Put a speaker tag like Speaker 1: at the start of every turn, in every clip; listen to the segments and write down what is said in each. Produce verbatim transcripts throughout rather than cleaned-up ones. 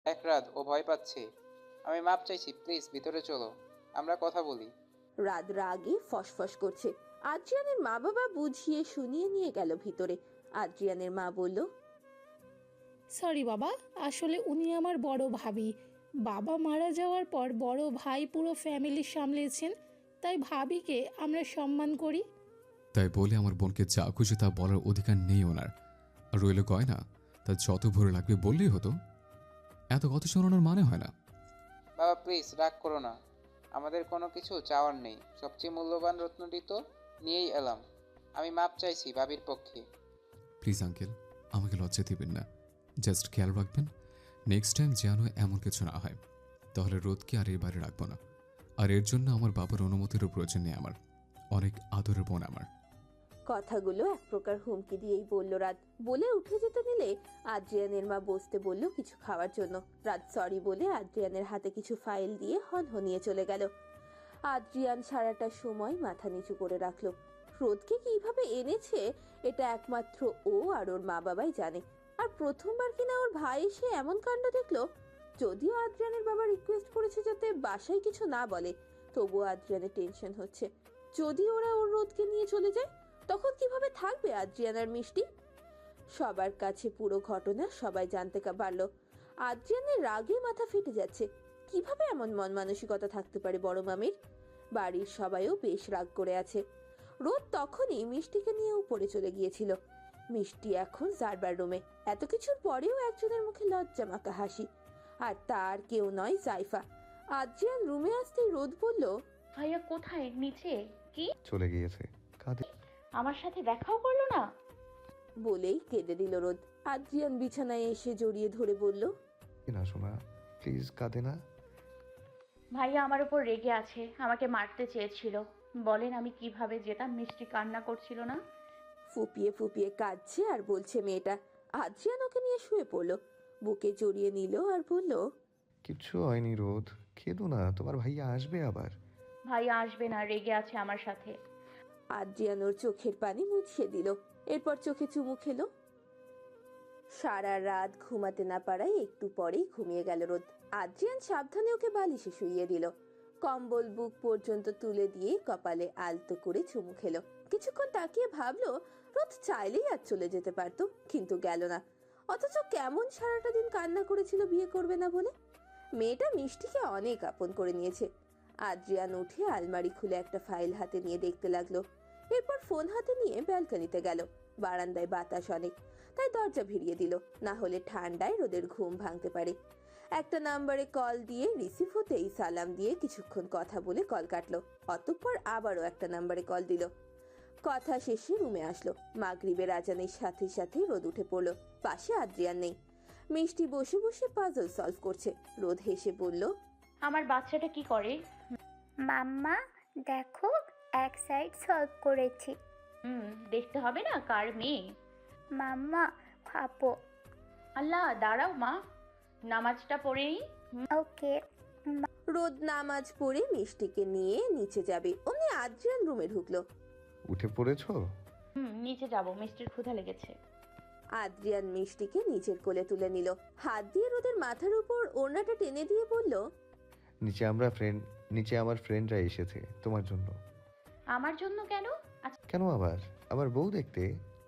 Speaker 1: এক রাত ও ভয় পাচ্ছে। আমি মাপ চাইছি, প্লিজ ভিতরে চলো, আমরা কথা বলি।
Speaker 2: রাত রাগে ফসফস করছে। আদ্রিয়ানের মা বাবা বুঝিয়ে শুনিয়ে নিয়ে গেল ভিতরে। আদ্রিয়ানের মা বলল,
Speaker 3: সরি বাবা, আসলে উনি আমার বড় ভাবি। বাবা মারা যাওয়ার পর বড় ভাই পুরো ফ্যামিলি সামলেছেন, তাই ভাবিকে আমরা সম্মান করি।
Speaker 4: তাই বলে আমার বোনকে যা খুশি তা বলার অধিকার নেই ওনার। আর রইল গয়না, তা যত ভরে লাগবে বললেই হতো। এত কথা শোনানোর মানে হয় না।
Speaker 1: বাবা প্লিজ রাগ করো না, আমাদের কোনো কিছু চাওয়ার নেই, সবচেয়ে মূল্যবান রত্নটি তো নিয়েই এলাম। আমি মাপ চাইছি ভাবির পক্ষে।
Speaker 4: প্লিজ আঙ্কেল, আমাকে লজ্জা দিবেন না। জাস্ট খেয়াল রাখবেন নেক্সট টাইম যেন এমন কিছু না হয়। তাহলে রোদকে আর এই বাড়ি রাখবো না। আর এর জন্য আমার বাবার অনুমতিরও প্রয়োজন নেই আমার। অনেক আদরের বোন আমার।
Speaker 2: কথাগুলো এক প্রকার হুমকি দিয়েই বলল রাত। বলে উঠে যেতে নিলে আদ্রিয়ানের মা বসতে বলল কিছু খাওয়ার জন্য। রাত সরি বলে আদ্রিয়ানের হাতে কিছু ফাইল দিয়ে হনহনিয়ে চলে গেল। আদ্রিয়ান সারাটা সময় মাথা নিচু করে রাখলো। রোদকে কিভাবে এনেছে এটা একমাত্র ও আর ওর মা বাবাই জানে। আর প্রথমবার কিনা ওর ভাই এসে এমন কাণ্ড দেখলো। যদিও আদ্রিয়ানের বাবা রিকোয়েস্ট করেছে যাতে বাসায় কিছু না বলে, তবুও আদ্রিয়ানের টেনশন হচ্ছে। যদি ওরা ওর রোদকে নিয়ে চলে যায় তখন কিভাবে থাকবে আদ্রিয়ানার মিষ্টি? সবার কাছে পুরো ঘটনা সবাই জানতে পারলো। আদ্রিয়ানের রাগে মাথা ফেটে যাচ্ছে। কিভাবে এমন মন মানসিকতা থাকতে পারে বড় মামির? বাড়ির সবাইও বেশ রাগ করে আছে। রোদ তখনই মিষ্টিকে নিয়ে উপরে চলে গিয়েছিল। মিষ্টি এখন জারবার রুমে। এত কিছুর পরেও একজনের মুখে লজ্জা মাখা হাসি, আর তার কেউ নয় জাইফা। আদ্রিয়ান রুমে আসতেই রোদ বলল,
Speaker 5: ভাইয়া কোথায়? নিচে? কি
Speaker 6: চলে গিয়েছে। কাঁদে।
Speaker 5: আমার সাথে দেখাও করলো না?
Speaker 2: বলেই কেঁদে দিল রোদ। আদ্রিয়ান বিছানায় এসে জড়িয়ে ধরে বলল,
Speaker 6: না শোনা, প্লিজ কাঁদে না।
Speaker 5: ভাইয়া আমার উপর রেগে আছে, আমাকে মারতে চেয়েছিল। বলেন আমি কিভাবে যেতাম? মিষ্টি কান্না করছিল না?
Speaker 2: ফুপিয়ে ফুপিয়ে কাঁদছে আর বলছে মেয়েটা। আদ্রিয়ান ওকে নিয়ে শুয়ে পড়লো, বুকে জড়িয়ে নিল আর বলল,
Speaker 6: কিচ্ছু হয়নি রোদ, কেঁদো না, তোমার ভাইয়া আসবে আবার।
Speaker 5: ভাইয়া আসবে না, রেগে আছে আমার সাথে।
Speaker 2: আদ্রিয়ান ওর চোখের পানি মুছিয়ে দিল। এরপর চোখে চুমু খেলো। সারা রাত ঘুমাতে না পারায় একটু পরেই ঘুমিয়ে গেল রোদ। আদ্রিয়ান সাবধানে ওকে বালিশে শুইয়ে দিল। কম্বল বুক পর্যন্ত তুলে দিয়ে কপালে আলতো করে চুমু খেলো। কিছুক্ষণ তাকিয়ে ভাবলো রোদ চাইলেই আজ চলে যেতে পারতো, কিন্তু গেল না। অথচ কেমন সারাটা দিন কান্না করেছিল বিয়ে করবে না বলে। মেয়েটা মিষ্টিকে অনেক আপন করে নিয়েছে। আদ্রিয়ান উঠে আলমারি খুলে একটা ফাইল হাতে নিয়ে দেখতে লাগলো। এরপর ফোন হাতে নিয়ে ব্যালকনিতে গেল। বারান্দায় বাতাস অনেক, তাই দরজা ভিড়িয়ে দিল, না হলে ঠান্ডায় রোদের ঘুম ভাঙতে পারে। একটা নাম্বারে কল দিয়ে রিসিভ হতেই সালাম দিয়ে কিছুক্ষণ কথা বলে কল কাটলো। অতঃপর আবারও একটা নাম্বারে কল দিল। কথা শেষে রুমে আসলো। মাগরিবের আজানের সাথে সাথে রোদ উঠে পড়লো। পাশে আদ্রিয়ান নেই। মিষ্টি বসে বসে পাজল সলভ করছে। রোদ হেসে বলল,
Speaker 5: আমার বাচ্চাটা কি করে?
Speaker 7: মাম্মা দেখো, এক সাইড সলভ করেছি।
Speaker 5: হুম, দেখতে হবে না কার মেয়ে?
Speaker 7: মাম্মা খাবো।
Speaker 5: আল্লাহ, দাঁড়াও মা, নামাজটা পড়েই।
Speaker 7: ওকে।
Speaker 2: রোদ নামাজ পড়ে মিষ্টিকে নিয়ে নিচে যাবে, অমনি আদ্রিয়ান রুমে ঢুকলো।
Speaker 6: উঠে পড়েছো?
Speaker 5: হুম, নিচে যাব, মিষ্টির ক্ষুধা লেগেছে।
Speaker 2: আদ্রিয়ান মিষ্টিকে নিচের কোলে তুলে নিল। হাত দিয়ে রোদের মাথার উপর ওড়নাটা টেনে দিয়ে বলল,
Speaker 6: নিচে আমরা ফ্রেন্ড নিচে আমার ফ্রেন্ডরা এসেছে তোমার জন্য।
Speaker 5: আমার জন্য কেন? আচ্ছা।
Speaker 6: কেন আবার? আবার বউ দেখতে?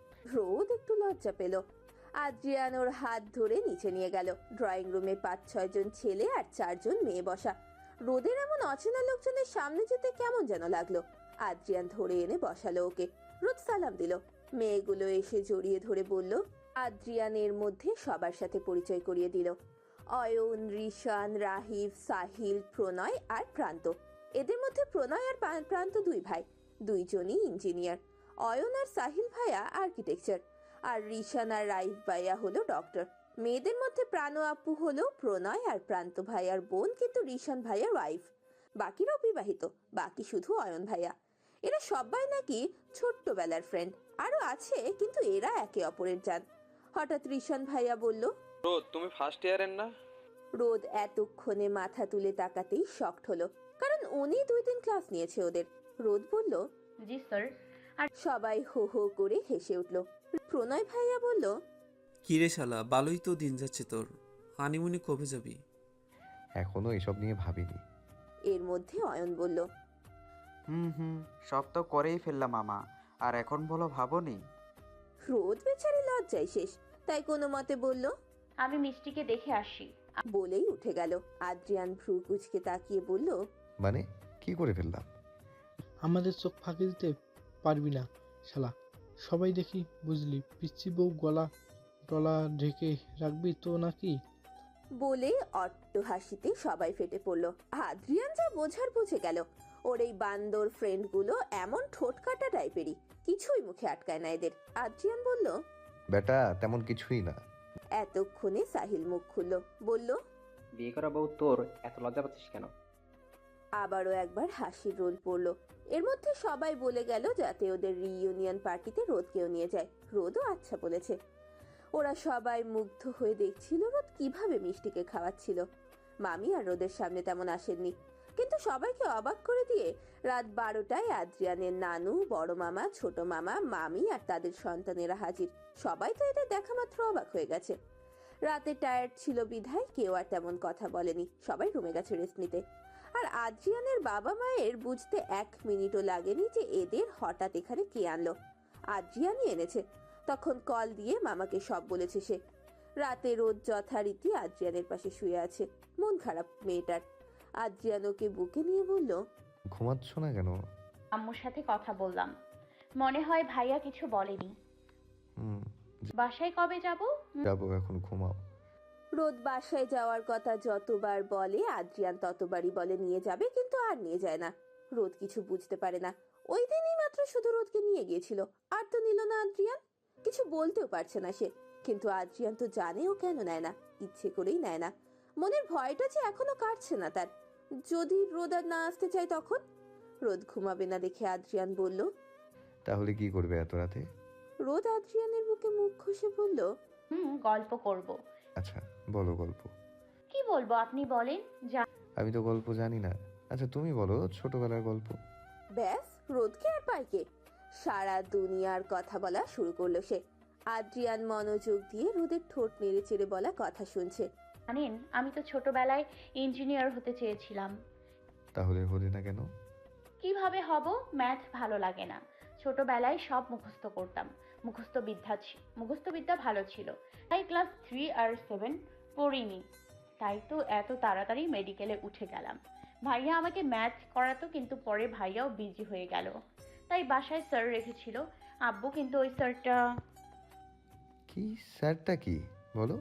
Speaker 2: রোদ একটু লজ্জা পেল। আদ্রিয়ান ওর হাত ধরে নিচে নিয়ে গেল। ড্রয়িং রুমে পাঁচ ছয় জন ছেলে আর চারজন মেয়ে বসা। রোদের এমন অচেনা লোকজনের সামনে যেতে কেমন যেন লাগলো। আদ্রিয়ান ধরে এনে বসালো ওকে। রোদ সালাম দিল। মেয়েগুলো এসে জড়িয়ে ধরে বলল। আদ্রিয়ানের মধ্যে সবার সাথে পরিচয় করিয়ে দিল। অয়ন, রিশান, রাহিব, সাহিল, প্রণয় আর প্রান্ত। এদের মধ্যে প্রণয় আর প্রান্ত দুই ভাই, দুইজনই ইঞ্জিনিয়ার। অয়ন আর সাহিল ভাইয়া আর্কিটেকচার, আর রিশান আর রাইফ ভাইয়া হলো ডক্টর। মেয়েদের মধ্যে প্রাণ আপু হলো প্রণয় আর প্রান্ত ভাইয়ার বোন, কিন্তু রিশান ভাইয়ার ওয়াইফ। বাকিরাও বিবাহিত, বাকি শুধু অয়ন ভাইয়া। এরা সবাই নাকি ছোট্টবেলার ফ্রেন্ড। আরো আছে, কিন্তু এরা একে অপরের জান। হঠাৎ রিশান ভাইয়া বলল,
Speaker 8: রোদ তুমি ফার্স্ট ইয়ারের না?
Speaker 2: রোদ এতক্ষণে মাথা তুলে তাকাতেই শকড হলো, কারণ উনি দুই দিন ক্লাস নিয়েছে ওদের। রোদ বলল,
Speaker 5: জি স্যার।
Speaker 2: সবাই হো হো করে হেসে উঠল। প্রণয় ভাইয়া বলল,
Speaker 9: কিরে শালা, ভালোই তো দিন যাচ্ছে তোর। হানিমুনে কবে যাবি?
Speaker 6: এখনো এসব নিয়ে ভাবিনি।
Speaker 2: এর মধ্যে অয়ন বলল,
Speaker 10: হুম হুম সব তো করেই ফেললাম মামা, আর এখন বলো ভাবনি?
Speaker 2: রোদ বেচারি লজ্জায় শেষ, তাই কোনো মতে বলল,
Speaker 5: আমি মিষ্টিকে দেখে আসি।
Speaker 2: বলেই উঠে গেল। আদ্রিয়ান ভ্রু কুচকে তাকিয়ে বলল,
Speaker 6: মানে কি করে ফেললাম?
Speaker 11: আমাদের চোখ ফাঁকি দিতে পারবি না শালা, সবাই দেখি বুঝলি, পিচ্ছি বউ গলা টলা ঢেকে রাখবি তো নাকি?
Speaker 2: বলে অট্ট হাসিতে সবাই ফেটে পড়ল। আদ্রিয়ান যা বোঝার বুঝে গেল। ওর এই বান্দর ফ্রেন্ডগুলো এমন ঠোঁটকাটা টাইপেরই, কিছুই মুখে আটকায় না এদের। আদ্রিয়ান বলল,
Speaker 6: বেটা তেমন কিছুই না।
Speaker 2: এতক্ষণে সাহিল মুখ খুলল, বলল,
Speaker 12: বিয়ে করা বউ তোর এত লজ্জা পাচ্ছিস কেন?
Speaker 2: আবারও একবার হাসির রোল পড়ল। এর মধ্যে সবাই বলে গেল যাতে ওদের রিইউনিয়ন পার্টিতে রোদকেও নিয়ে যায়। রোদও আচ্ছা বলেছে। ওরা সবাই মুগ্ধ হয়ে দেখছিল রোদ কিভাবে মিষ্টিকে খাওয়াচ্ছিল। মামি আর রোদের সামনে তেমন আসেননি, কিন্তু সবাইকে অবাক করে দিয়ে রাত বারোটায় আদ্রিয়ানের নানু, বড় মামা, ছোট মামা, মামি আর তাদের সন্তানেরা হাজির। সবাই তো এদের দেখা মাত্র অবাক হয়ে গেছে। রাতে টায়ার্ড ছিল বিধায় কেউ আর তেমন কথা বলেনি, সবাই রুমে গেছে রেস্ট নিতে। আর আদ্রিয়ানের বাবা মায়ের বুঝতে এক মিনিটও লাগেনি যে এদের হঠাৎ এখানে কে আনলো। আদ্রিয়ানই এনেছে। তখন কল দিয়ে মামাকে সব বলেছে সে। রাতে রোদ যথারীতি আদ্রিয়ানের পাশে শুয়ে আছে, মন খারাপ মেয়েটার। আদ্রিয়ান ওকে বুকে নিয়ে বলল,
Speaker 6: ঘুমাচ্ছ না কেন?
Speaker 5: আম্মুর সাথে কথা বললাম, মনে হয় ভাইয়া কিছু বলেনি।
Speaker 6: হুম
Speaker 5: বাসায় কবে যাব?
Speaker 6: যাবো, এখন ঘুমাও।
Speaker 2: রোদ বাসায় যাওয়ার কথা যতবার বলে আদ্রিয়ান ততবারই বলে নিয়ে যাবে, কিন্তু আর নিয়ে যায় না। রোদ কিছু বুঝতে পারে না। ওই দিনই মাত্র শুধু রোদকে নিয়ে গিয়েছিল, আর তো নিল না আদ্রিয়ান। কিছু বলতেও পারছে না সে, কিন্তু আদ্রিয়ান তো জানে ও কেন নেয় না, ইচ্ছে করেই নেয় না। মনের ভয়টা যে এখনো কাটছে না তার। যদি রোদ আর না আসতে চায় তখন? রোদ ঘুমাবে না দেখে আদ্রিয়ান বলল,
Speaker 6: তাহলে কি করবে এত রাতে?
Speaker 2: রোদ আদ্রিয়ানের বুকে মুখ ঘষে বলল,
Speaker 5: হুম গল্প করব।
Speaker 6: আচ্ছা বলো গল্প।
Speaker 5: কি বলবো আপনি বলেন। যা
Speaker 6: আমি তো গল্প জানি না। আচ্ছা তুমি বলো ছোটবেলার গল্প।
Speaker 2: ব্যাস, রোদকে আর পাইকে সারা দুনিয়ার কথা বলা শুরু করলো সে। আদ্রিয়ান মনোযোগ দিয়ে রোদের ঠোঁট নেড়ে চেড়ে বলা কথা শুনছে।
Speaker 5: জানেন, আমি তো ছোটবেলায় ইঞ্জিনিয়ার হতে চেয়েছিলাম।
Speaker 6: তাহলে হলে না কেন?
Speaker 5: কিভাবে হব? ম্যাথ ভালো লাগে না। ছোটবেলায় সব মুখস্থ করতাম, মুখস্থ বিদ্যা ছি- মুখস্থ বিদ্যা ভালো ছিল, তাই ক্লাস থ্রি আর সেভেন পড়িনি। তাই তো এত তাড়াতাড়ি মেডিকেলে উঠে গেলাম। ভাইয়া আমাকে ম্যাথ করাতো, কিন্তু পরে ভাইয়াও বিজি হয়ে গেল, তাই বাসায় স্যার রেখেছিল আব্বু। কিন্তু ওই স্যারটা,
Speaker 6: কি স্যারটা কি বলো?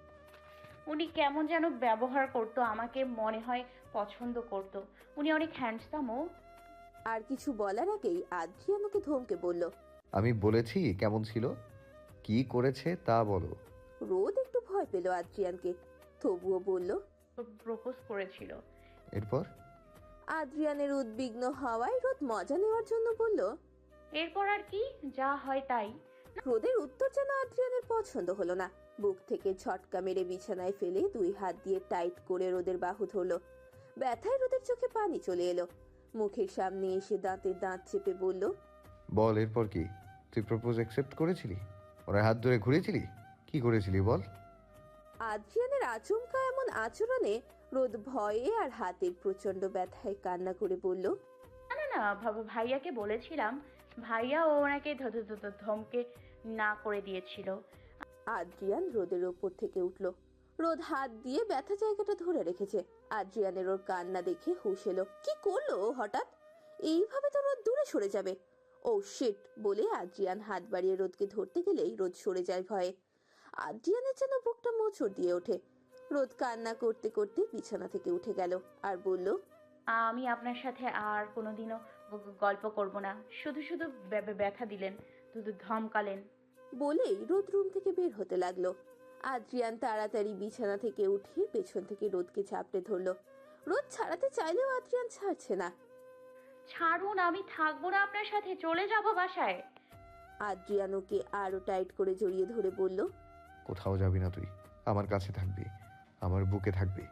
Speaker 5: উনি কেমন যেন ব্যবহার করতো আমাকে, মনে হয় পছন্দ করতো। উনি অনেক হ্যান্ডসামও।
Speaker 2: আর কিছু বলার আগেই আদ্রিয়ান ওকে ধমকে বলল,
Speaker 6: আমি বলেছি কেমন ছিল, কি করেছে তা বলো।
Speaker 2: রোদ একটু ভয় পেল আদ্রিয়ানকে, তবুও বলল,
Speaker 5: প্রপোজ করেছিল।
Speaker 6: এরপর?
Speaker 2: আদ্রিয়ানের উদ্বিগ্ন হওয়ায় রোদ মজা নেওয়ার জন্য বলল,
Speaker 5: এরপর আর কি, যা হয় তাই।
Speaker 2: রোদের উত্তর যেন আদ্রিয়ানের পছন্দ হলো না। বুক থেকে ঝটকা মেরে বিছানায় ফেলে দুই হাত দিয়ে টাইট করে রোদের বাহু ধরলো। ব্যথায় রোদের চোখে পানি চলে এলো। মুখের সামনে এসে দাঁতে দাঁত চেপে বলল,
Speaker 6: বল এরপর কি? তুই প্রপোজ অ্যাকসেপ্ট করেছিলি? ওরা হাত ধরে ঘুরেছিলি? কি করেছিলি বল?
Speaker 2: আদ্রিয়ানের আচমকা এমন আচরণে রোদ ভয়ে আর হাতের প্রচন্ড ব্যথায় কান্না করে বলল,
Speaker 5: না না না ভাব- ভাইয়াকে বলেছিলাম, ভাইয়া ও ওনাকে ধ- ধ- ধ- ধ- ধমকে না করে দিয়েছিল।
Speaker 2: আদ্রিয়ান রোদের ওপর থেকে উঠল। রোদ হাত দিয়ে ব্যথা জায়গাটা ধরে রেখেছে। আদ্রিয়ানের ওর কান্না দেখে হুঁশ এলো। কি করলো ও হঠাৎ? এইভাবে তো রোদ দূরে সরে যাবে। ও শিট বলে আদ্রিয়ান হাত বাড়িয়ে রোদকে ধরতে গেলেই রোদ সরে যায় ভয়ে। আদ্রিয়ানের যেন বুকটা মোচড় দিয়ে ওঠে। রোদ কান্না করতে করতে বিছানা থেকে উঠে গেল আর বলল,
Speaker 5: আমি আপনার সাথে আর কোনোদিনও গ- গ- গল্প করব না। শুধু শুধু ব্য- ব্য- ব্যথা দিলেন, শুধু ধমকালেন।
Speaker 2: বলেই রোদ রুম থেকে বের হতে লাগলো। আদ্রিয়ান তাড়াতাড়ি বিছানা থেকে উঠে পেছন থেকে রোদকে ঝাপটে ধরলো। রোদ ছাড়াতে চাইলেও আদ্রিয়ান ছাড়ছে না।
Speaker 5: ছাড়ুন, আমি থাকবো না আপনার সাথে, চলে যাব বাসায়।
Speaker 2: আদ্রিয়ান ওকে আরো টাইট করে জড়িয়ে ধরে বলল,
Speaker 6: কোথাও যাবি না তুই, আমার কাছে থাকবি, আমার বুকে থাকবি।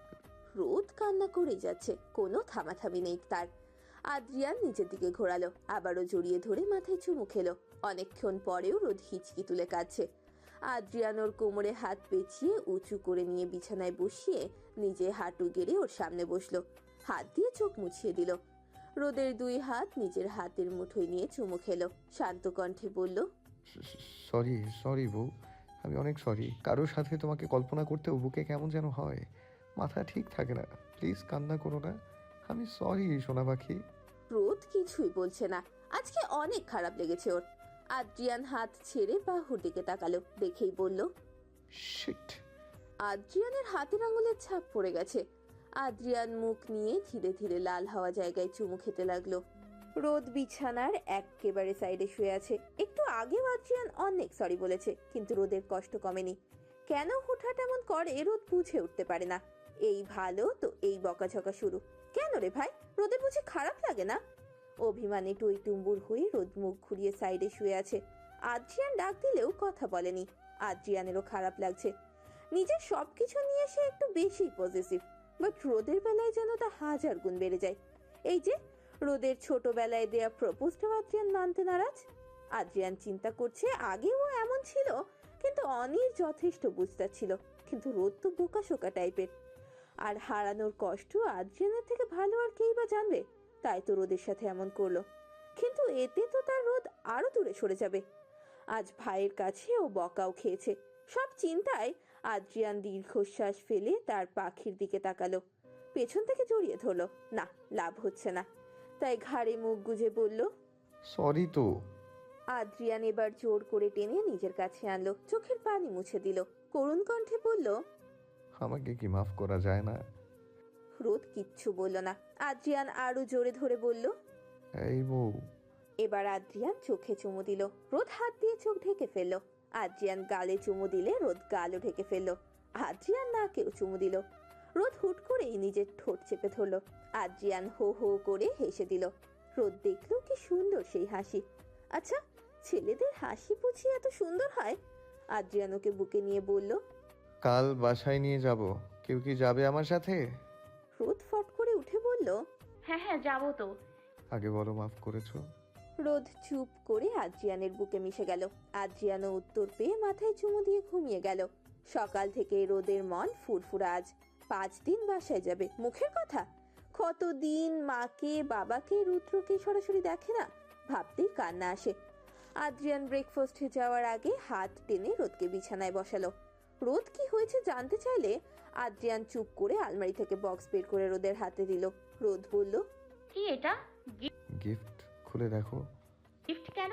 Speaker 2: রোদ কান্না করেই যাচ্ছে, কোনো থামাথামি নেই তার। আদ্রিয়ান নিচের দিকে ঘোরালো, আবারও জড়িয়ে ধরে মাথায় চুমু খেলো। অনেকক্ষণ পরেও রোদ হিচকি তুলে কাঁদছে। আদ্রিয়ান ওর কোমরে হাত পেঁচিয়ে উঁচু করে নিয়ে বিছানায় বসিয়ে নিজে হাঁটু গেড়ে ওর সামনে বসলো, হাত দিয়ে চোখ মুছিয়ে দিল। রোদের দুই হাত নিজের হাতের মুঠোয় নিয়ে চুমু খেলো, শান্ত কণ্ঠে বলল,
Speaker 6: সরি সরি বউ, আমি অনেক সরি। কারোর সাথে তোমাকে কল্পনা করতেও বুকে কেমন যেন হয়, মাথা ঠিক থাকে না। প্লিজ কান্না করো না, আমি সরি সোনা পাখি।
Speaker 2: রোদ কিছুই বলছে না, আজকে অনেক খারাপ লেগেছে ওর। আদ্রিয়ান হাত ছেড়ে বাহুর দিকে তাকালো, দেখেই বলল,
Speaker 6: শিট।
Speaker 2: আদ্রিয়ানের হাতের আঙুলের ছাপ পড়ে গেছে। আদ্রিয়ান মুখ নিয়ে ধীরে ধীরে লাল হওয়া জায়গায় চুমু খেতে লাগলো। রোদ বিছানার একেবারে সাইডে শুয়ে আছে। একটু আগেও আদ্রিয়ান অনেক সরি বলেছে, কিন্তু রোদের কষ্ট কমেনি। কেন হুটহাট এমন করে রোদ বুঝে উঠতে পারে না। এই ভালো তো এই বকাঝকা শুরু। কেন রে ভাই, রোদের বুঝে খারাপ লাগে না? অভিমানে টই টুম্বুর হয়ে রোদ মুখ ঘুরিয়ে সাইডে শুয়ে আছে। আদ্রিয়ান ডাক দিলেও কথা বলেনি। আদ্রিয়ানেরও খারাপ লাগছে, নিজের সবকিছু নিয়ে সে একটু বেশি পজিটিভ, বাট রোদের বেলায় যেন তা হাজার গুণ বেড়ে যায়। এই যে রোদের ছোটবেলায় দেয়া প্রপোজটাও আদ্রিয়ান মানতে নারাজ। আদ্রিয়ান চিন্তা করছে আগেও এমন ছিল, কিন্তু অনির যথেষ্ট বুঝতার ছিল, কিন্তু রোদ তো বোকাশোকা টাইপের। আর হারানোর কষ্ট আদ্রিয়ানের থেকে ভালো আর কেই বা জানবে, তাই তো রোদের সাথে এমন করলো। কিন্তু এতে তো তার রোদ আরো দূরে সরে যাবে। আজ ভাইয়ের কাছে ও বকাও খেয়েছে। সব চিন্তায় আদ্রিয়ান দীর্ঘশ্বাস ফেলে তার পাখির দিকে তাকালো, পেছন থেকে জড়িয়ে ধরলো। না, লাভ হচ্ছে না, তাই ঘাড়ে মুখ গুজে বলল,
Speaker 6: সরি তো।
Speaker 2: আদ্রিয়ান এবার জোর করে টেনে নিজের কাছে আনলো, চোখের পানি মুছে দিল, করুণ কণ্ঠে বলল,
Speaker 6: আমাকে কি মাফ করা যায় না?
Speaker 2: রোদ কিচ্ছু বলল না। আদ্রিয়ান আরো জোরে ধরে বলল,
Speaker 6: এই বউ।
Speaker 2: এবার আদ্রিয়ান চোখে চুমু দিল। রোদ হাত দিয়ে চোখ ঢেকে ফেললো। আদ্রিয়ান গালে চুমু দিলে রোদ গালও ঢেকে ফেললো। আদ্রিয়ান নাকেও চুমু দিল। রোদ হুট করেই নিজের ঠোঁট চেপে ধরলো। আদ্রিয়ান হো হো করে হেসে দিল। রোদ দেখলো কি সুন্দর সেই হাসি। আচ্ছা, ছেলেদের হাসি বুঝি এত সুন্দর হয়? আদ্রিয়ান ওকে বুকে নিয়ে বলল,
Speaker 6: কাল বাসায় নিয়ে যাব, কেউ কি যাবে আমার সাথে?
Speaker 2: রোদ ফট করে উঠে বলল,
Speaker 5: হ্যাঁ হ্যাঁ যাবো তো।
Speaker 6: আগে বলো মাফ করেছো?
Speaker 2: রোদ চুপ করে আদ্রিয়ানের বুকে মিশে গেল। আদ্রিয়ানও উত্তর পেয়ে মাথায় চুমু দিয়ে ঘুমিয়ে গেল। সকাল থেকে রোদের মন ফুরফুরা। আজ পাঁচ দিন বাসায় যাবে, মুখের কথা। কতদিন মাকে বাবাকে রুদ্রকে সরাসরি দেখে না, ভাবতেই কান্না আসে। আদ্রিয়ান ব্রেকফাস্টে যাওয়ার আগে হাত টেনে রোদকে বিছানায় বসালো। রোদ কি হয়েছে জানতে চাইলে আদ্রিয়ান চুপ করে আলমারি থেকে বক্স বের করে রোদের হাতে দিল। রোদ বলল,
Speaker 5: কি এটা?
Speaker 6: গিফট, খুলে দেখো।
Speaker 5: গিফট কেন?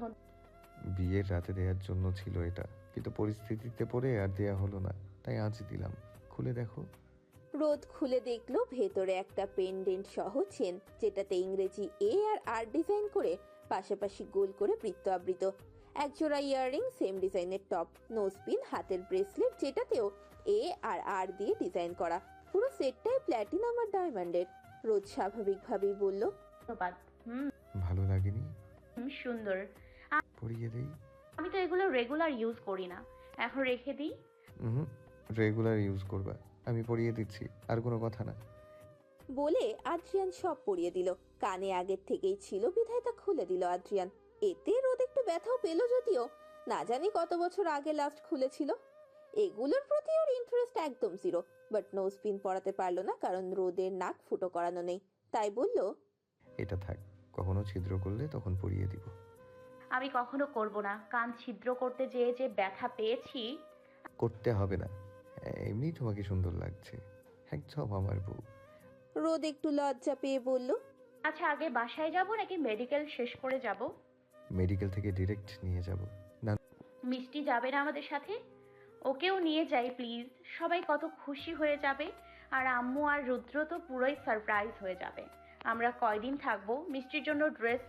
Speaker 6: বিয়ের রাতে দেওয়ার জন্য ছিল এটা, কিন্তু পরিস্থিতিতে পড়ে আর দেয়া হলো না, তাই আজ দিলাম। খুলে দেখো।
Speaker 2: রোদ খুলে দেখলো ভেতরে একটা পেন্ডেন্ট সহ চেন, যেটাতে ইংরেজি এ আর আর ডিজাইন করে পাশাপাশি গোল করে বৃত্ত আবৃত। একজোড়া ইয়াররিং, সেম ডিজাইনের টপ, নোজপিন, হাতের ব্রেসলেট যেটাতেও এ আর আর দিয়ে ডিজাইন করা। পুরো সেটটাই প্ল্যাটিনাম আর ডায়মন্ডের। রোদ স্বাভাবিকভাবেই বলল,
Speaker 5: ধন্যবাদ। হুম
Speaker 6: ভালো লাগেনি?
Speaker 5: হুম, সুন্দর।
Speaker 6: পরিয়ে দেই?
Speaker 5: আমি তো এগুলো রেগুলার ইউজ করি না, এখন রেখে দিই।
Speaker 6: হুম, রেগুলার ইউজ করবা, আমি পরিয়ে দিচ্ছি, আর কোনো কথা না।
Speaker 2: বলে আদ্রিয়ান সব পরিয়ে দিল। কানে আগের থেকেই ছিল বিধায় তা খুলে দিল আদ্রিয়ান। এতে রোদ একটু ব্যথাও পেল, যদিও না জানি কত বছর আগে লাস্ট খুলেছিল। এগুলোর প্রতি ওর ইন্টারেস্ট একদম জিরো, বাট নোজ পিন পরাতে পারলো না, কারণ রোদের নাক ফুটো করানো নেই। তাই বলল,
Speaker 6: এটা থাক, কখনো ছিদ্র করলে তখন পরিয়ে দিব।
Speaker 5: আমি কখনো করব না, কান ছিদ্র করতে যেয়ে যে ব্যথা পেয়েছি।
Speaker 6: করতে হবে না, এমনি তোমাকে সুন্দর লাগছে, একদম আমার বউ।
Speaker 2: রোদ একটু লজ্জা পেয়ে বলল,
Speaker 5: আচ্ছা আগে বাসায় যাব নাকি মেডিকেল শেষ করে যাব?
Speaker 6: মেডিকেল থেকে ডিরেক্ট নিয়ে যাব। না,
Speaker 5: মিষ্টি যাবে না আমাদের সাথে? ওকেও নিয়ে যাই প্লিজ, সবাই কত খুশি হয়ে যাবে। আর আম্মু আর রুদ্র তো পুরোই সারপ্রাইজ হয়ে যাবে। আমরা কয়দিন থাকবো? মিষ্টির জন্য ড্রেস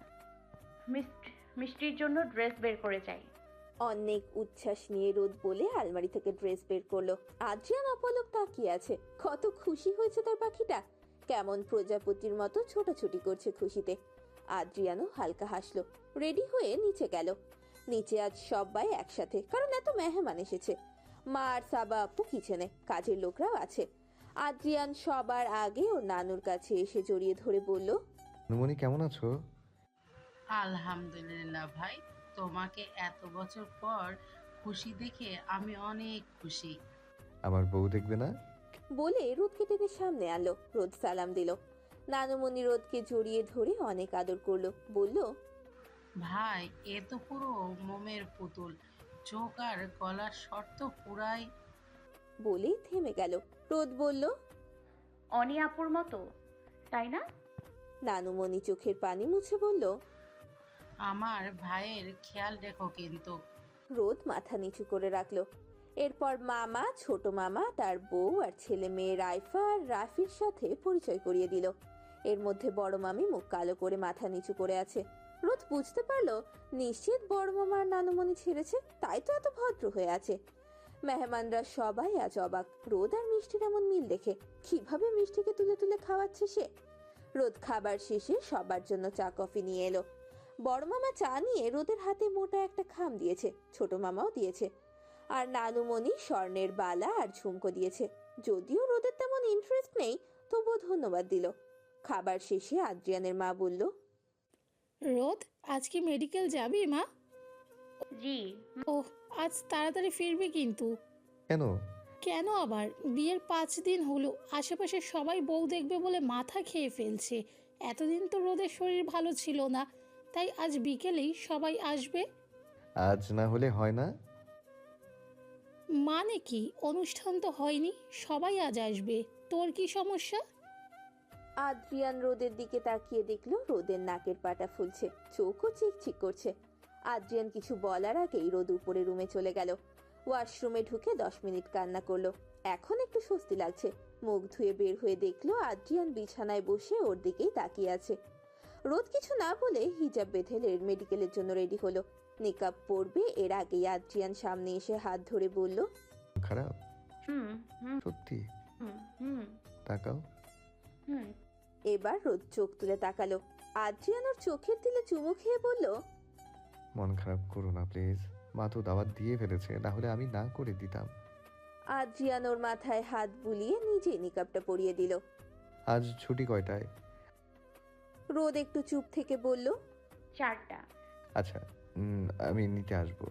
Speaker 5: মিষ্টির জন্য ড্রেস বের করে যাই।
Speaker 2: অনেক উচ্ছ্বাস নিয়ে রোদ বলে আলমারি থেকে ড্রেস বের করলো। আদ্রিয়ান অপলক তাকিয়ে আছে, কত খুশি হয়েছে তার পাখিটা, কেমন প্রজাপতির মতো ছোটাছুটি করছে খুশিতে। আদ্রিয়ানও হালকা হাসলো, রেডি হয়ে নিচে গেল। নিচে আজ সবাই একসাথে, কারণ এত মেহমান এসেছে। মা আর সাবা আপু কিচেনে, কাজের লোকরাও আছে। আদ্রিয়ান সবার আগে ওর নানুর কাছে এসে জড়িয়ে ধরে বলল,
Speaker 6: নুমনি কেমন আছো?
Speaker 9: আলহামদুলিল্লাহ ভাই, তোমাকে এত বছর পর খুশি দেখে আমি অনেক খুশি।
Speaker 6: আমার বউ দেখবে না?
Speaker 2: বলে রোদকে টেনে সামনে আনলো। রোদ সালাম দিল। নানুমণি রোদকে জড়িয়ে ধরে অনেক আদর করলো, বলল,
Speaker 9: ভাই এ তো পুরো মোমের পুতুল, চোখ আর গলার শর্ত পুরাই।
Speaker 2: বলেই থেমে গেল। রোদ বলল,
Speaker 5: অনি আপুর মতো, তাই না?
Speaker 2: নানুমণি চোখের পানি মুছে বলল,
Speaker 9: আমার ভাইয়ের খেয়াল রেখো কিন্তু।
Speaker 2: রোদ মাথা নিচু করে রাখলো। এরপর মামা, ছোট মামা, তার বউ আর ছেলে মেয়ে রাইফা আর রাফির সাথে পরিচয় করিয়ে দিল। এর মধ্যে বড় মামি মুখ কালো করে মাথা নিচু করে আছে। রোদ বুঝতে পারলো নিশ্চিত বড় মামা আর নানুমণি ছেড়েছে, তাই তো এত ভদ্র হয়ে আছে। মেহমানরা সবাই আজ অবাক রোদ আর মিষ্টির এমন মিল দেখে। কিভাবে মিষ্টিকে তুলে তুলে খাওয়াচ্ছে সে। রোদ খাবার শেষে সবার জন্য চা কফি নিয়ে এলো। বড় মামা চা নিয়ে রোদের হাতে মোটা একটা খাম দিয়েছে, ছোট মামাও দিয়েছে। আর নানুমণি স্বর্ণের বালা আর ঝুমকো দিয়েছে। যদিও রোদের তেমন ইন্টারেস্ট নেই, তবুও ধন্যবাদ দিল। খাবার শেষে আদ্রিয়ানের মা বলল,
Speaker 3: রোদ আজ কি মেডিকেল যাবি মা?
Speaker 5: জি।
Speaker 3: ওহ, আজ তাড়াতাড়ি ফিরবি কিন্তু।
Speaker 6: কেন?
Speaker 3: কেন আবার? বিয়ের পাঁচ দিন হলো, আশেপাশে সবাই বউ দেখবে বলে মাথা খেয়ে ফেলছে। এতদিন তো রোদের শরীর ভালো ছিল না, তাই আজ বিকেলেই সবাই আসবে।
Speaker 6: আজ না হলে হয় না?
Speaker 3: মানে কি? অনুষ্ঠান তো হয়নি, সবাই আজ আসবে, তোর কি সমস্যা?
Speaker 2: আদ্রিয়ান রোদের দিকে তাকিয়ে দেখলো রোদের নাকের পাটা ফুলছে, চোখও চিকচিক করছে। আদ্রিয়ান কিছু বলার আগেই রোদ উপরে রুমে চলে গেল। ওয়াশরুমে ঢুকে দশ মিনিট কান্না করলো। এখন একটু স্বস্তি লাগছে। মুখ ধুয়ে বের হয়ে দেখলো আদ্রিয়ান বিছানায় বসে ওর দিকেই তাকিয়ে আছে। রোদ কিছু না বলে হিজাব বেঁধে মেডিকেলের জন্য রেডি হলো। নিকাব পরবে এর আগেই আদ্রিয়ান সামনে এসে হাত ধরে বলল,
Speaker 6: খারাপ?
Speaker 5: হুম হুম
Speaker 6: সত্যি?
Speaker 5: হুম হুম
Speaker 6: তাকাও।
Speaker 5: হুম।
Speaker 2: এবার রোদ চোখ তুলে তাকালো। আদ্রিয়ান ওর চোখের দিলে চুমু খেয়ে বলল,
Speaker 6: মন খারাপ করো না প্লিজ, মা তো দাওয়াত দিয়ে ফেলেছে, না হলে আমি না করে দিতাম।
Speaker 2: আদ্রিয়ান ওর মাথায় হাত বুলিয়ে নিজেই নিকাবটা পরিয়ে দিল।
Speaker 6: আজ ছুটি কয়টায়?
Speaker 2: রোদ একটু চুপ থেকে বলল,
Speaker 5: চারটা।
Speaker 6: আচ্ছা, উম, আমি নিতে আসবো।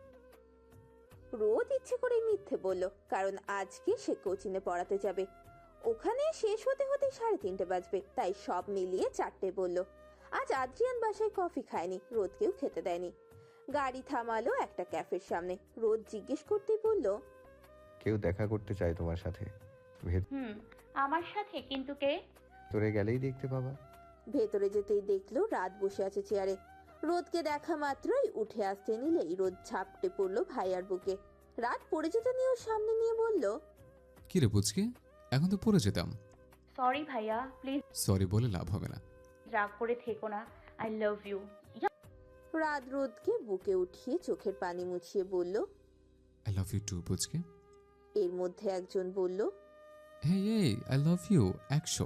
Speaker 2: রোদ ইচ্ছে করে মিথ্যে বলল, কারণ আজকে সে কোচিনে পড়াতে যাবে। ওখানে শেষ হতে হতে সাড়ে তিনটে বাজবে, তাই সব মিলিয়ে চারটে বলল। আজ আদ্রিয়ান বাসায় কফি খায়নি, রোদকেও খেতে দেয়নি। গাড়ি থামালো একটা ক্যাফের সামনে। রোদ জিজ্ঞেস করতেই বলল,
Speaker 6: কেউ দেখা করতে চায় তোমার সাথে।
Speaker 5: হুম, আমার সাথে? কিন্তু কে?
Speaker 6: ভেতরে গেলেই দেখতে পাবা।
Speaker 2: ভেতরে যেতেই দেখলো রাত বসে আছে চেয়ারে। রোদকে দেখা মাত্রই উঠে আসতে নিলেই রোদ ঝাপটে পড়লো ভাইয়ার বুকে। রাত পড়ে যেতে নিয়েও সামনে নিয়ে বলল,
Speaker 4: কি রে পুচকে, এখন তো পড়ে যেতাম।
Speaker 5: সরি ভাইয়া, প্লিজ
Speaker 4: সরি বলে লাভ হবে না।
Speaker 5: রাগ করে থেকো না। I love you.
Speaker 2: রাত রোদকে বুকে উঠিয়ে চোখের পানি মুছিয়ে বলল,
Speaker 4: আই লাভ ইউ টু পুচকে।
Speaker 2: এর মধ্যে একজন বলল,
Speaker 4: হে এই আই লাভ ইউ একশো।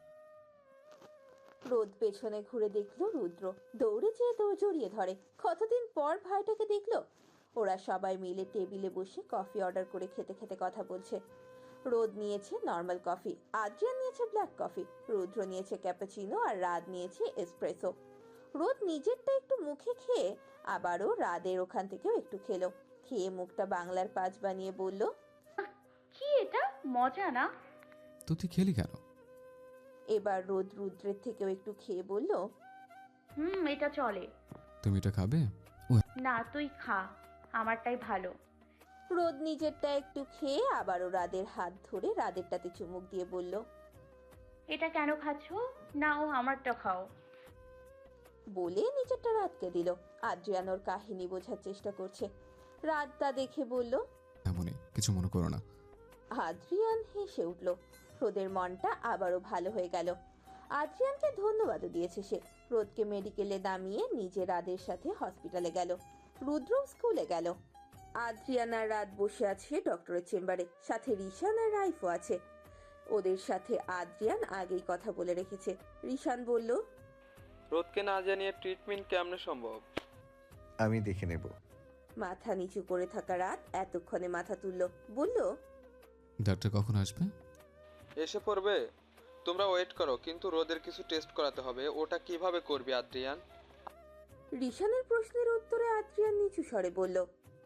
Speaker 2: রোদ পেছনে ঘুরে দেখলো রুদ্র। দৌড়ে যেয়ে তো জড়িয়ে ধরে। কতদিন পর ভাইটাকে দেখলো। ওরা সবাই মিলে টেবিলে বসে কফি অর্ডার করে খেতে খেতে কথা বলছে। রোদ নিয়েছে নর্মাল কফি, আদ্রিয়ান নিয়েছে ব্ল্যাক কফি, রুদ্র নিয়েছে ক্যাপাচিনো আর রাত নিয়েছে এসপ্রেসো। রোদ নিজেরটা একটু মুখে খেয়ে আবারও রাদের ওখান থেকেও একটু খেলো। খেয়ে মুখটা বাংলার পাঁচ বানিয়ে বলল,
Speaker 5: কি এটা মজা না?
Speaker 4: তো তুই খেলি কেন?
Speaker 2: এবার রোদ রুদ্রের থেকেও একটু খেয়ে বলল,
Speaker 5: হুম, এটা চলে।
Speaker 4: তুমি এটা খাবে?
Speaker 5: না, তুই খা, আমারটাই ভালো।
Speaker 2: রোদ নিজেরটা একটু খেয়ে আবারও রাদের হাত ধরে রাদেরটাতে চুমুক দিয়ে বলল,
Speaker 5: এটা কেন খাচ্ছ? নাও আমারটা খাও।
Speaker 2: বলে নিজেরটা রাতকে দিল। আদ্রিয়ান ওর কাহিনী বোঝার চেষ্টা করছে। রাত তা দেখে বলল,
Speaker 4: এমনই, কিছু মনে করো না।
Speaker 2: আদ্রিয়ান হেসে উঠল। রোদের মনটা আবারও ভালো হয়ে গেল। আদ্রিয়ানকে ধন্যবাদও দিয়েছে সে। রোদকে মেডিকেলে নামিয়ে নিজে রাদের সাথে হসপিটালে গেল। রুদ্র স্কুলে গেল। আদ্রিয়ান আর রাত বসে আছে ডক্টরের চেম্বারে, সাথে রিশান আর রাইফও আছে। ওদের সাথে আদ্রিয়ান আগেই কথা বলে রেখেছে। রিশান বলল,
Speaker 8: রোদকে না জানিয়ে ট্রিটমেন্ট কেমনে সম্ভব?
Speaker 6: আমি দেখে নেব।
Speaker 2: মাথা নিচু করে থাকা রাত এতক্ষণে মাথা তুলল, বলল,
Speaker 4: ডাক্তার কখন আসবে?
Speaker 8: এসে পড়বে, তোমরা ওয়েট করো। কিন্তু রোদের কিছু টেস্ট করাতে হবে। ওটা কিভাবে করবি আদ্রিয়ান?
Speaker 2: রিশানের প্রশ্নের উত্তরে আদ্রিয়ান নিচু স্বরে বলল,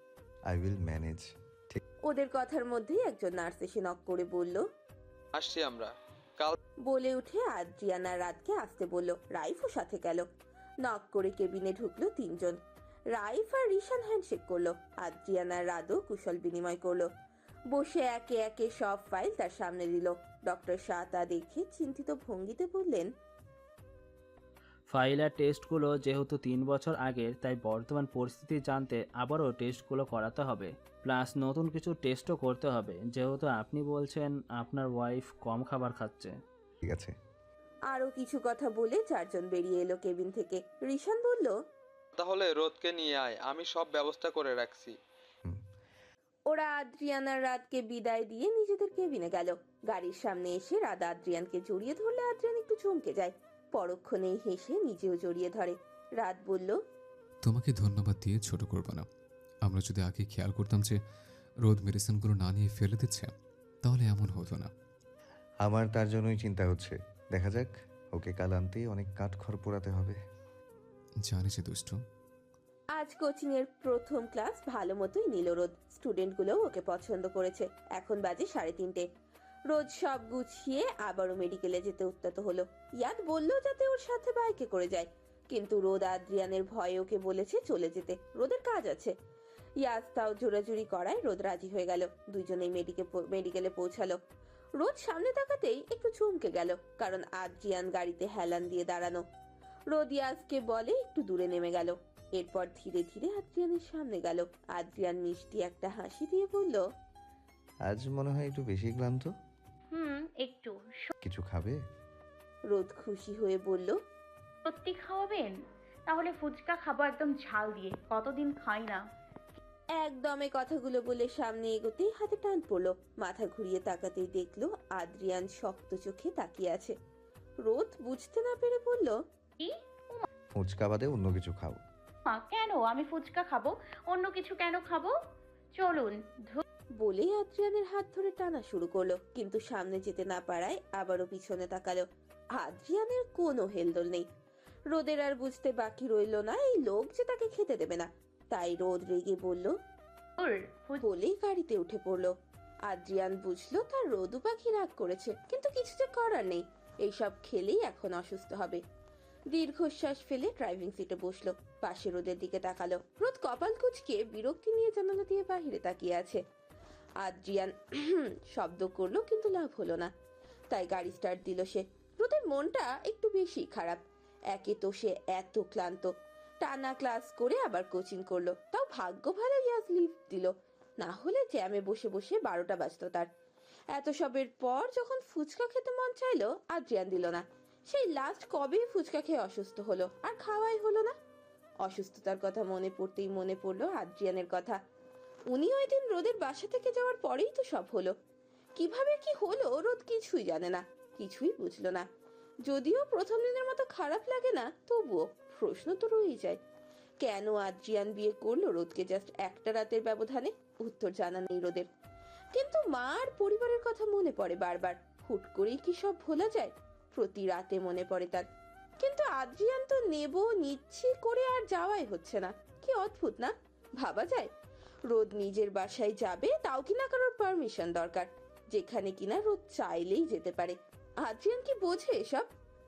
Speaker 6: আই উইল ম্যানেজ।
Speaker 2: ওদের কথার মধ্যেই একজন নার্স এসে নক করে বলল,
Speaker 8: আসছি আমরা কাল।
Speaker 2: বলে উঠে আদ্রিয়ান আর রাতকে আসতে বলল। রাইফও সাথে গেল। নক করে কেবিনে ঢুকলো তিনজন। রাইফ আর রিশান হ্যান্ডশেক করলো। আদ্রিয়ান আর রাতও কুশল বিনিময় করলো। বসে একে একে সব ফাইল তার সামনে দিল। ডক্টর শাহ তা দেখে চিন্তিত ভঙ্গিতে বললেন,
Speaker 13: ফাইল আর টেস্টগুলো যেহেতু তিন বছর আগের, তাই বর্তমান পরিস্থিতি জানতে আবারও টেস্টগুলো করাতে হবে, প্লাস নতুন কিছু টেস্টও করতে হবে, যেহেতু আপনি বলছেন আপনার ওয়াইফ কম খাবার খাচ্ছে।
Speaker 6: ঠিক আছে।
Speaker 2: আরো কিছু কথা বলে চারজন বেরিয়ে এলো কেবিন থেকে। রিশান বলল,
Speaker 8: তাহলে রোদকে নিয়ে আয়, আমি সব ব্যবস্থা করে রাখছি।
Speaker 2: ওরা আদ্রিয়ান আর রাতকে বিদায় দিয়ে নিজেদের কেবিনে গেল। গাড়ির সামনে এসে রাত আদ্রিয়ানকে জড়িয়ে ধরলে আদ্রিয়ান একটু চমকে যায়। পরক্ষণেই হেসে নিজেও জড়িয়ে ধরে। রাত বলল,
Speaker 4: তোমাকে ধন্যবাদ দিয়ে ছোট করব না। আমরা যদি আগে খেয়াল করতাম যে রোদ মেডিসিনগুলো না নিয়ে ফেলে দিচ্ছে, তাহলে এমন হতো না।
Speaker 6: আমার তার জন্যই চিন্তা হচ্ছে। দেখা যাক, ওকে কাল আনতে অনেক কাঠখড় পোড়াতে হবে।
Speaker 4: জানি যে দুষ্টু।
Speaker 2: আজ কোচিং এর প্রথম ক্লাস ভালো মতোই নিল রোদ। স্টুডেন্টগুলোও ওকে পছন্দ করেছে। এখন বাজে সাড়ে তিনটে। রোজ সব গুছিয়ে আবারও মেডিকেলে যেতে উদ্যত হলো। ইয়াদ বলল যাতে ওর সাথে বাইকে করে যায়, কিন্তু রোদ আদ্রিয়ানের ভয়ে ওকে বলেছে চলে যেতে, রোদের কাজ আছে। ইয়াদ তাও জোরাজুরি করায় রোদ রাজি হয়ে গেল। দুইজনেই মেডিকেলে পৌঁছালো। রোদ সামনে তাকাতেই একটু চমকে গেল, কারণ আদ্রিয়ান গাড়িতে হেলান দিয়ে দাঁড়ানো। রোদ ইয়াজকে বলে একটু দূরে নেমে গেল। এরপর ধীরে ধীরে আদ্রিয়ানের সামনে গেল। আদ্রিয়ান মিষ্টি একটা হাসি দিয়ে বলল,
Speaker 6: আজ মনে হয় একটু বেশি ক্লান্ত।
Speaker 5: হুম একটু।
Speaker 6: কিছু খাবে?
Speaker 2: রোদ খুশি হয়ে বলল,
Speaker 5: সত্যি খাওয়াবেন? তাহলে ফুচকা খাবো একদম ঝাল দিয়ে, কতদিন খাই না।
Speaker 2: একদমে কথাগুলো বলে সামনে এগোতেই হাতে টান পড়লো। মাথা ঘুরিয়ে তাকাতেই দেখলো আদ্রিয়ান শক্ত চোখে তাকিয়ে আছে। রোদ বুঝতে না পেরে বলল,
Speaker 5: কি?
Speaker 6: ফুচকা বাদে অন্য কিছু খাও।
Speaker 5: মা কেন আমি ফুচকা খাবো? অন্য কিছু কেন খাবো? চলুন।
Speaker 2: বলে আদ্রিয়ানের হাত ধরে টানা শুরু করলো, কিন্তু সামনে যেতে না পারায় আবারও পিছনে তাকালো। আদ্রিয়ানের কোনো হেলদোল নেই। রোদের আর বুঝতে বাকি রইল না এই লোক যে তাকে খেতে দেবে না। তাই রোদ রেগে বলল, বলেই গাড়িতে উঠে পড়লো। আদ্রিয়ান বুঝলো তার রোদু পাখি রাগ করেছে, কিন্তু কিছু যে করার নেই। এইসব খেলেই এখন অসুস্থ হবে। দীর্ঘশ্বাস ফেলে ড্রাইভিং সিটে বসলো। পাশে রোদের দিকে তাকালো। রোদ কপাল কুঁচকে বিরক্তি নিয়ে জানালা দিয়ে বাহিরে তাকিয়ে আছে। আদ্রিয়ান শব্দ করলো, কিন্তু লাভ হলো না। তাই গাড়ি স্টার্ট দিল সে। রোদের মনটা একটু বেশি খারাপ। একে তো সে এত ক্লান্ত, টানা ক্লাস করে আবার কোচিং করলো, তাও ভাগ্য ভালো ইয়াজ লিভ দিল, না হলে জ্যামে বসে বসে বারোটা বাজতো তার। এত সবের পর যখন ফুচকা খেতে মন চাইলো, আদ্রিয়ান দিল না। সেই লাস্ট কবে ফুচকা খেয়ে অসুস্থ হলো, আর খাওয়াই হলো না। অসুস্থতার কথা মনে পড়তেই মনে পড়লো আদ্রিয়ানের কথা। উনি ওই দিন রোদের বাসা থেকে যাওয়ার পরেই তো সব হলো। কিভাবে কি হলো রোদ কিছুই জানে না, কিছুই বুঝলো না। যদিও প্রথম দিনের মতো খারাপ লাগে না, তবুও প্রশ্ন তো রয়েই যায়, কেন আদ্রিয়ান বিয়ে করলো রোদকে জাস্ট একটা রাতের ব্যবধানে? উত্তর জানা নেই রোদের। কিন্তু মা আর পরিবারের কথা মনে পড়ে বারবার। হুট করেই কি সব ভোলা যায়? প্রতি রাতে মনে পড়ে তার। কিন্তু আদ্রিয়ান তো নেব নিচ্ছি করে আর যাওয়াই হচ্ছে না। কি অদ্ভুত না? ভাবা যায় রোদ নিজের বাসায় যাবে, তাও কিনা কারোর পারমিশন দরকার, যেখানে কিনা রোদ চাইলেই যেতে পারে। আদ্রিয়ান কি বোঝে এসব?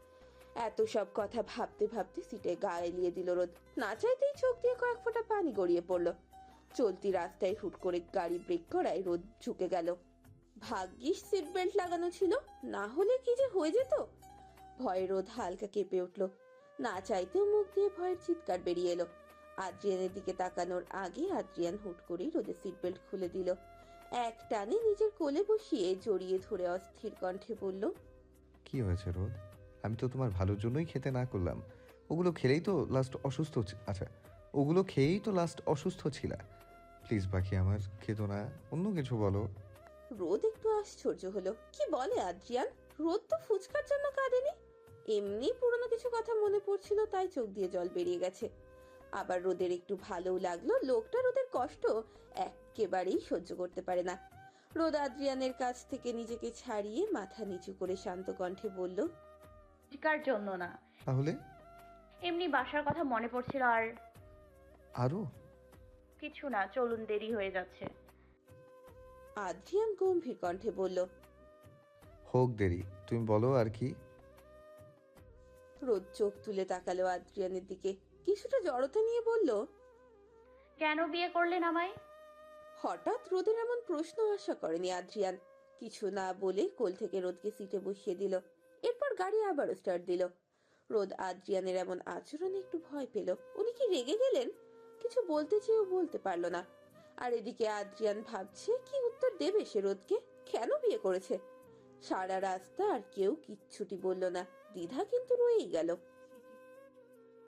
Speaker 2: এত সব কথা ভাবতে ভাবতে সিটে গা এলিয়ে দিল রোদ। না চাইতেই চোখ দিয়ে কয়েক ফোঁটা পানি গড়িয়ে পড়লো। চলতি রাস্তায় হুট করে গাড়ি ব্রেক করায় রোদ ঝুঁকে গেল। ভাগ্যিস সিট বেল্ট লাগানো ছিল, না হলে কি যে হয়ে যেত। ভয়ে রোদ হালকা কেঁপে উঠলো। না চাইতেও মুখ দিয়ে ভয়ের চিৎকার বেরিয়ে এলো। আদ্রিয়ানের দিকে তাকানোর আগে আদ্রিয়ান হুট করেই রোদের সিট বেল্ট খুলে দিল। এক টানে নিজের কোলে বসিয়ে জড়িয়ে ধরে অস্থির কণ্ঠে বলল,
Speaker 6: কি হয়েছে রোদ? আমি তো তোমার ভালোর জন্যই খেতে না করলাম। ওগুলো খেলেই তো লাস্ট অসুস্থ আচ্ছা ওগুলো খেয়েই তো লাস্ট অসুস্থ ছিল। প্লিজ বাকি আমার খেতো না, অন্য কিছু বলো।
Speaker 2: রোদ একটু আশ্চর্য হলো। কি বলে আদ্রিয়ান? রোদ তো ফুচকার জন্য কাঁদেনি, এমনি পুরনো কিছু কথা মনে পড়ছিল, তাই চোখ দিয়ে জল বেরিয়ে গেছে। আবার রোদের একটু ভালোও লাগলো। লোকটা রোদের কষ্ট একেবারেই সহ্য করতে পারে না। রোদ আদ্রিয়ানের কাছ থেকে নিজেকে ছাড়িয়ে মাথা নিচু করে শান্ত কণ্ঠে বলল,
Speaker 5: ফুচকার জন্য না,
Speaker 6: তাহলে?
Speaker 5: এমনি বাসার কথা মনে পড়ছিল। আর
Speaker 6: আরো
Speaker 5: কিছু না, চলুন, দেরি হয়ে যাচ্ছে।
Speaker 2: আদ্রিয়ান গম্ভীর কণ্ঠে বলল।
Speaker 6: হোক দেরি, তুমি বলো আর কি।
Speaker 2: রোদ চোখ তুলে তাকালো আদ্রিয়ানের দিকে, কিছুটা জড়তা নিয়ে বলল,
Speaker 5: কেন বিয়ে করলেন আমায়?
Speaker 2: হঠাৎ রোদের এমন প্রশ্ন আশা করেনি আদ্রিয়ান। কিছু না বলে কোল থেকে রোদকে সিটে বসিয়ে দিল। এরপর গাড়ি আবারও স্টার্ট দিল। রোদ আদ্রিয়ানের এমন আচরণে একটু ভয় পেল। উনি কি রেগে গেলেন? কিছু বলতে চেয়েও বলতে পারল না। আর এদিকে আদ্রিয়ান ভাবছে কি উত্তর দেবে সে রোদকে, কেন বিয়ে করেছে। সারা রাস্তা আর কেউ কিচ্ছুটি বলল না, দ্বিধা কিন্তু রয়েই গেল।